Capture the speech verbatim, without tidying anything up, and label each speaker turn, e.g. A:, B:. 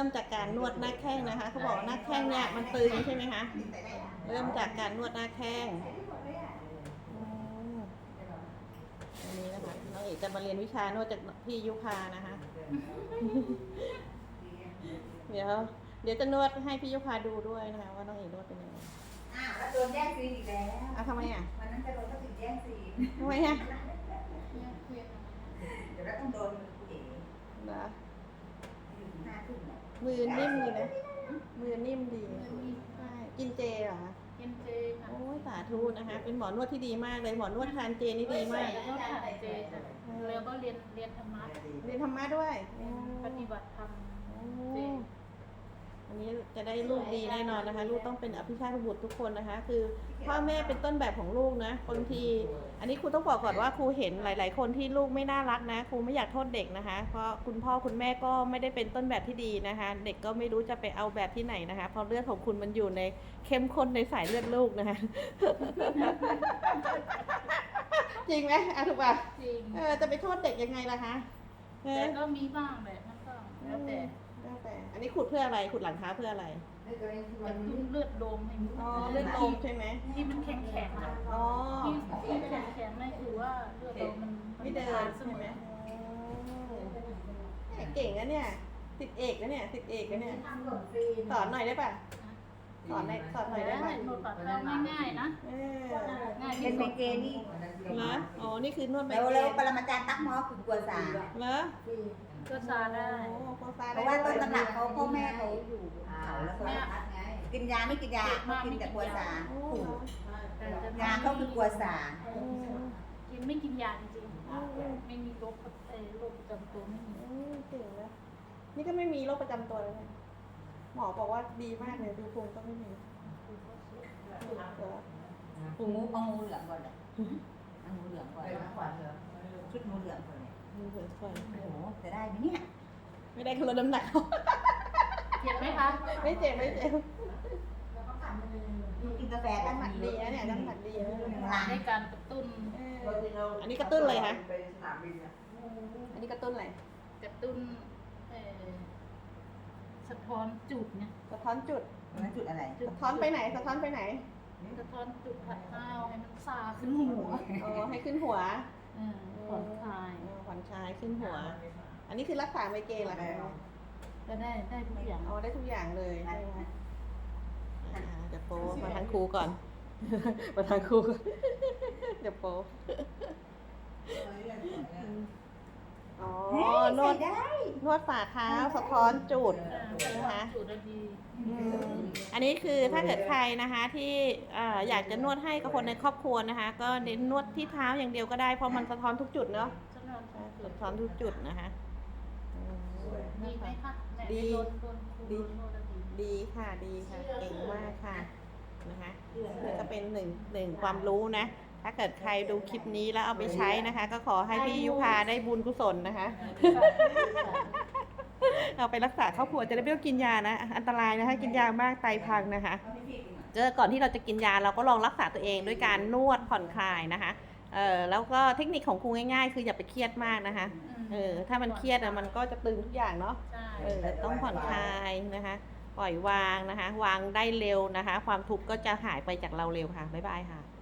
A: มจากการนวดหน้าแข้งนะคะเขาบอกหน้าแข้งเนี่ยมันตึงใช่ไหมคะเริ่มจากการนวดหน้าแข้งอันนี้นะคะน้องเอกจะมาเรียนวิชานวดจากพี่ยุพานะคะเดี๋ยวเดี๋ยวจะนวดให้พี่ยุพาดูด้วยนะคะว่าน้องเอกนวดเป็นยังไง
B: อ้าวแล้วโดนแย่งซีนอีกแล้ว
A: อ่ะทำไมอ่ะ
B: วันนั้นจะโดนก็ถึงแย่งซีน
A: ทำไมอ่ะ
B: เดี๋ยวเราต้องโดนมือเอ๋
A: นะ
B: อยู่หน้าทุ่มเนี่ย
A: มือนิ่มดีนะมือนิ่มดีใช่กินเจเหรอคะ
C: กินเจค่ะ
A: โอ้ยสาธุนะคะเป็นหมอนวดที่ดีมากเลยหมอนวดทานเจนี่ดีมาก
C: นวดทานเจค่ะแล้วก็เรียนเรียนธรรมะ
A: เรียนธรรมะด้วย
C: ปฏิบัติธรรมเจ
A: อันนี้จะได้ลูกดีแน่นอนนะคะลูกต้องเป็นอภิชาติบุตรทุกคนนะคะคือพ่อแม่เป็นต้นแบบของลูกนะบางทีอันนี้ครูต้องบอกก่อนว่าครูเห็นหลายๆคนที่ลูกไม่น่ารักนะครูไม่อยากโทษเด็กนะคะเพราะคุณพ่อคุณแม่ก็ไม่ได้เป็นต้นแบบที่ดีนะคะเด็กก็ไม่รู้จะไปเอาแบบที่ไหนนะคะเพราะเลือดของคุณมันอยู่ในเข้มข้นในสายเลือดลูกนะคะจริงไหมอ่ะถูกป่ะ
C: จริง
A: เออจะไปโทษเด็กยังไงล่ะคะ
C: แต่ก็มีบ้างแบบนั้นก็แล้วแต่
A: แล้วแต่อันนี้ขุดเพื่ออะไรขุดหลังเท้าเพื่ออะไร
C: กระตุ้นเลือดโดมให้มัน
A: อ๋อเลือดโดมใช่ไหม
C: ที่มันแข็งแข็งอ่ะ
A: อ๋อ
C: ที่ที่แข็งแข็งนั่นคือว่าเลือดโดมมัน
A: ไม่เดินใช่ไหมเก่งนะเนี่ยสิทธิเอกนะเนี่ยสิทธิเอกนะเนี่ยสอนหน่อยได้ป่ะสอนหน่อยสอนหน่อยได้ป่ะ
C: นวดฝ่าเท้าง่ายๆนะ
B: ง่ายเป็นเมเกนี่
A: นะอ๋อนี่คือนวดเมเก
B: แล้วแล้วปรมาจารย์ตั๊กมอคือกวนสา
A: เหรอ
C: ก็ซาได้
B: เพราะว่าต้นตำรับเขาพ่อแม่เขาอยู่เขาแล้วเขากินยาไม่กินยาเขากินแต่กวนสาถูกยาเขาคือกวนสา
C: กินไม่กินยาจริงๆไม่มีโรคโรคประจำตัวไม่มี
A: เก่งนะนี่ก็ไม่มีโรคประจำตัวเลยหมอบอกว่าดีมากเลยดูภูมิก็ไม่มี
B: ภูมิเอางูเหลืองก่อนเลยเอางูเหลืองก่อนชุดงูเหลืองก่อนเลย
A: งูเหลืองก่อน
B: โอ้โหจะได้ไหมเนี่ย
A: ไม่ได้คือลดน้ำหนัก
C: เจ็บไหมคะ
A: ไม่เจ็บไม่เจ็บ
B: กินกาแฟ
A: น้ำหนักดีนะเนี่ยน้ำหนักดี
C: ได้การกระตุ้น
A: อันนี้กระตุ้นเลยคะอันนี้กระตุ้นอะไร
C: กระตุ้นสะท้อนจุดเนี่ย
A: สะท้อนจุด
B: มันจุดอะไร
A: สะท้อนไปไหนสะท้อนไปไหน
C: สะท้อนจุดผัดข้าวให้มันซาขึ้นหัว
A: อ๋อให้ขึ้นหัว
C: ผ่อนคลาย
A: ผ่อนคลายขึ้นหัวอันนี้คือรักษาไมเกรนเหรอคะ
C: ก็ได้ได้ทุกอย่าง
A: อ๋อได้ทุกอย่างเลยใช่ไหมเดี๋ยวโป๊มาทางครูก่อนมาทางครูเดี๋ยวโป๊อ๋อนวดนวดฝ่าเท้าสะท้อนจุดนะคะอันนี้คือถ้าเกิดใครนะคะที่อยากจะนวดให้กับคนในครอบครัวนะคะก็เน้นนวดที่เท้าอย่างเดียวก็ได้เพราะมันสะท้อนทุกจุดเนาะสะท้อนทุกจุดนะคะ
C: ดีไหมคะ
A: ดีดีดีค่ะดีค่ะเก่งมากค่ะนะคะนี่ก็เป็นหนึ่งหนึ่งความรู้นะถ้าเกิดใครดูคลิปนี้แล้วเอาไปใช้นะคะก็ขอให้พี่ยุพาได้บุญกุศลนะคะเอาไปรักษาครอบครัวจะได้ไม่ต้องกินยานะอันตรายนะคะกินยามากไตพังนะคะเจอก่อนที่เราจะกินยาเราก็ลองรักษาตัวเองด้วยการนวดผ่อนคลายนะคะเออแล้วก็เทคนิคของครูง่ายๆคืออย่าไปเครียดมากนะคะเออถ้ามันเครียดมันก็จะตึงทุกอย่างเนาะเออต้องผ่อนคลายนะคะปล่อยวางนะคะวางได้เร็วนะคะความทุกข์ก็จะหายไปจากเราเร็วค่ะบ๊ายบายค่ะ